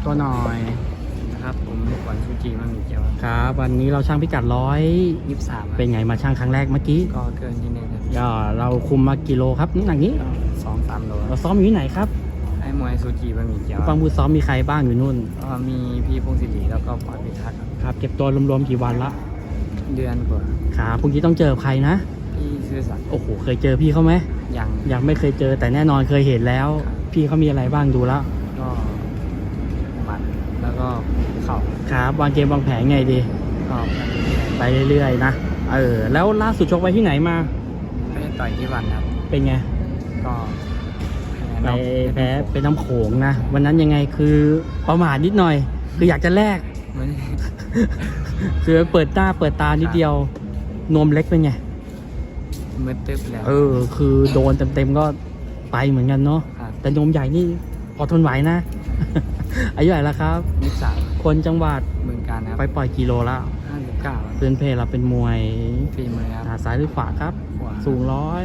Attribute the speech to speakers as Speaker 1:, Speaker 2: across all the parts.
Speaker 1: ตัวหน่อย
Speaker 2: นะครับผมลูกบอลชูจีมันมีเจียว
Speaker 1: ครับ วันนี้เราช่างพิกัด
Speaker 2: 23
Speaker 1: เป็นไงมาช่างครั้งแรกเมื่อกี้
Speaker 2: ก็เกินที่นึงครับ
Speaker 1: ก็เราคุมมากิโลครับน้ำหนักนี้
Speaker 2: ก็2-3 โล
Speaker 1: เราซ้อมอยู่ที่ไหนครับ
Speaker 2: ไอ้มวยซูจีมันมีเจียว
Speaker 1: ฟังบูซ้อมมีใครบ้างอยู่นู่น
Speaker 2: ก็มีพี่พงศิริแล้วก็ปอยพิทักษ์ครับ
Speaker 1: ครับเก็บตัวรวมๆกี่วันละ
Speaker 2: เดือนกว่า
Speaker 1: ครับพรุ่งนี้ต้องเจอใครนะ
Speaker 2: พี่ซื่อสัตย์
Speaker 1: โอ้โหเคยเจอพี่เขาไหม
Speaker 2: ยัง
Speaker 1: ยังไม่เคยเจอแต่แน่นอนเคยเห็นแล้ว
Speaker 2: ครับ
Speaker 1: พี่เขามีอะไรบ้างดูแล้ว
Speaker 2: ก็หมัดแล้วก็เข่า
Speaker 1: ครับวางเกมวางแผนไงดี
Speaker 2: ก็
Speaker 1: ไปเรื่อยๆนะแล้วล่าสุดชกไว้ที่ไหนมา
Speaker 2: ไม่ได้ต่อยที่วันครับ
Speaker 1: เป็นไง
Speaker 2: ก็
Speaker 1: ไปแพ้เป็นน้ำโขงนะ วันนั้นยังไงคือประมาทนิดหน่อย คืออยากจะแลก
Speaker 2: ไม่ได้
Speaker 1: คือเปิดหน้าเปิดตานิดเดียว นวมเล็กเป็นไง
Speaker 2: มืดตึ๊บแล้ว
Speaker 1: คือโดนเต็มๆก็ไปเหมือนกันเนาะ
Speaker 2: ครับ
Speaker 1: แต่นวมใหญ่นี่พอทนไหวนะ อายุเท่าไหร่แล้วครับ
Speaker 2: 23
Speaker 1: คนจังหวัด
Speaker 2: เมืองการครับ
Speaker 1: ไปปล่อยกิโลแล้ว
Speaker 2: 59
Speaker 1: เพื่อนเพเราเป็นมวย
Speaker 2: ฝีมือครับ
Speaker 1: ขาซ้ายหรือขวาครับ
Speaker 2: ขวา
Speaker 1: สูง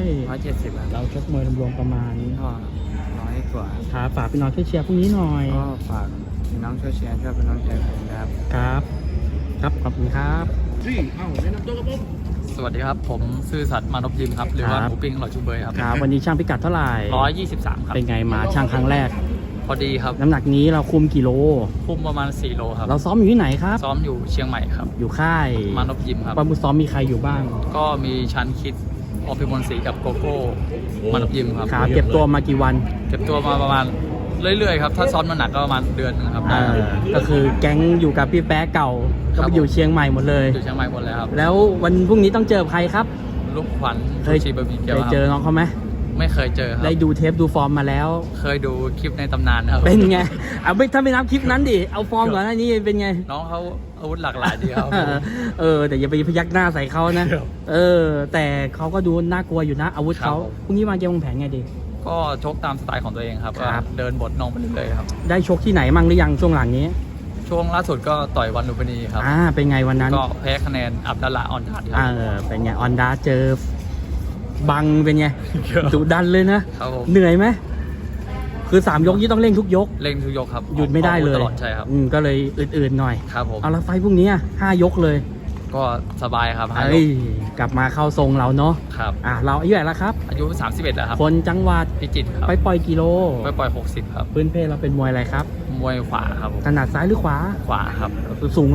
Speaker 2: 170ครับ
Speaker 1: เราชกมวยรวมๆประมาณ
Speaker 2: ก็100 กว่า
Speaker 1: ครับฝากพี่น้องช่วยเชียร์พรุ่งนี้หน่อย
Speaker 2: ก็ฝากพี่น้องช่วยเชียร์ช่วยเป็นน้องใจผมนะครับ
Speaker 1: ครับ ครับขอบคุณครับ
Speaker 3: สวัสดีครับ ผมซื่อสัตย์มานพยิมครับ หรือว่า
Speaker 1: ครับ
Speaker 3: หมูปิ้งอร่อยชูเบยครับ
Speaker 1: ครับวันนี้ช่างพิกัดเท่าไหร่
Speaker 3: 123 ครับ
Speaker 1: เป็นไงมาช่างครั้งแรก
Speaker 3: พอดีครับ
Speaker 1: น้ำหนักนี้เราคุมกี่โล
Speaker 3: คุมประมาณ 4 โลครับ
Speaker 1: เราซ้อมอยู่ที่ไหนครับ
Speaker 3: ซ้อมอยู่เชียงใหม่ครับ
Speaker 1: อยู่ค่าย
Speaker 3: มานพยิมครับ
Speaker 1: ปามุซ้อมมีใครอยู่บ้าง
Speaker 3: ก็มีชันคิดอภิมลศรีกับโกโก้มานพยิมครับ
Speaker 1: ครับเก็บตัวมากี่วัน
Speaker 3: เก็บตัวมาประมาณเรื่อยๆครับ ถ้าซ้อมน้ำหนักก็ประมาณเดือนนึงครับ
Speaker 1: ก็คือแก๊งอยู่กับพี่แป๊ะเก่า ก็ไปอยู่เชียงใหม่หมดเลย
Speaker 3: อยู่เชียงใหม่หมดเลยครับ
Speaker 1: แล้ววันพรุ่งนี้ต้องเจอใครครับ
Speaker 3: ลูกขวัญ
Speaker 1: เค
Speaker 3: ชู
Speaker 1: ย
Speaker 3: ชีบะหมี่เกี๊ยว
Speaker 1: เคย
Speaker 3: ค
Speaker 1: เจ
Speaker 3: รับ
Speaker 1: อน้องเขาไหม
Speaker 3: ไม่เคยเจอครับ
Speaker 1: ได้ดูเทปดูฟอร์มมาแล้ว
Speaker 3: เคยดูคลิปในตำนานครับ
Speaker 1: เป็นไงถ้าไม่นับคลิปนั้นดิเอาฟอร์มก่อนหน้านี้เป็นไง
Speaker 3: น้องเขาอาวุธหลากหลายดีครับ
Speaker 1: แต่อย่าไปพยักหน้าใส่เขานะ
Speaker 3: ครับ
Speaker 1: แต่เขาก็ดูน่ากลัวอยู่นะ อาวุธเขา
Speaker 3: ครับผม
Speaker 1: พรุ่งนี้วางเกมวางแผนไงดี
Speaker 3: ก็ชกตามสไตล์ของตัวเองครับ
Speaker 1: ครับ
Speaker 3: ก็เดินบทน้องไปเรื่อยๆครับ
Speaker 1: ได้ชกที่ไหนมั่งหรือยังช่วงหลังนี้
Speaker 3: ช่วงล่าสุดก็ต่อยวันลุมพินีครับ
Speaker 1: เป็นไงวันนั้น
Speaker 3: ก็แพ้คะแนนอับดัลละออนทัดครั
Speaker 1: เป็นไงออนดาเจอบังเป็นไงดุดันเลยนะ
Speaker 3: ครับผม
Speaker 1: เหนื่อยไหมคือ3 ยกที่ต้องเร่งทุกยก
Speaker 3: เล่งทุกยกครับ
Speaker 1: หยุดไม่ได้เลย
Speaker 3: ตลอดใช่ครับ
Speaker 1: ก็เลยอื่นๆหน่อย
Speaker 3: ครับผม
Speaker 1: เอาละไฟพรุ่งนี้5 ยกเลย
Speaker 3: ก็สบายครับห้าย
Speaker 1: เอ้
Speaker 3: ก
Speaker 1: ยกลับมาเข้าทรงเราเนาะ
Speaker 3: ครับ
Speaker 1: เราอายุเท่าไหร่แล้วครับ
Speaker 3: อายุ 31 แล้วครับ
Speaker 1: คนจังหวัด
Speaker 3: พิจิตรครับ
Speaker 1: ไปปล่อยกิโล
Speaker 3: ไปปล่อย 60 ครับ
Speaker 1: พื้นเพเราเป็นมวยอะไรครับ
Speaker 3: มวยขวาครับผม
Speaker 1: ถนัดซ้ายหรือขวา
Speaker 3: ขวาครับ
Speaker 1: สูง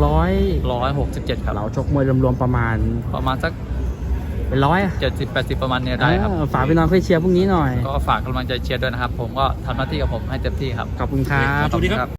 Speaker 3: 167 ครับ
Speaker 1: เราชกมวยรวมๆประมาณ
Speaker 3: ประมาณสัก
Speaker 1: เป็นร้อย
Speaker 3: 70-80 ประมาณเนี้ยได้ครับ
Speaker 1: ฝากพี่น้องช่วยเชียร์พรุ่งนี้หน่อย
Speaker 3: ก็ฝากกำลังใจเชียร์ด้วยนะครับ ผมก็ทำหน้าที่กับผมให้เต็มที่ครับ
Speaker 1: ขอบคุณครับ
Speaker 3: ขอบคุณครับ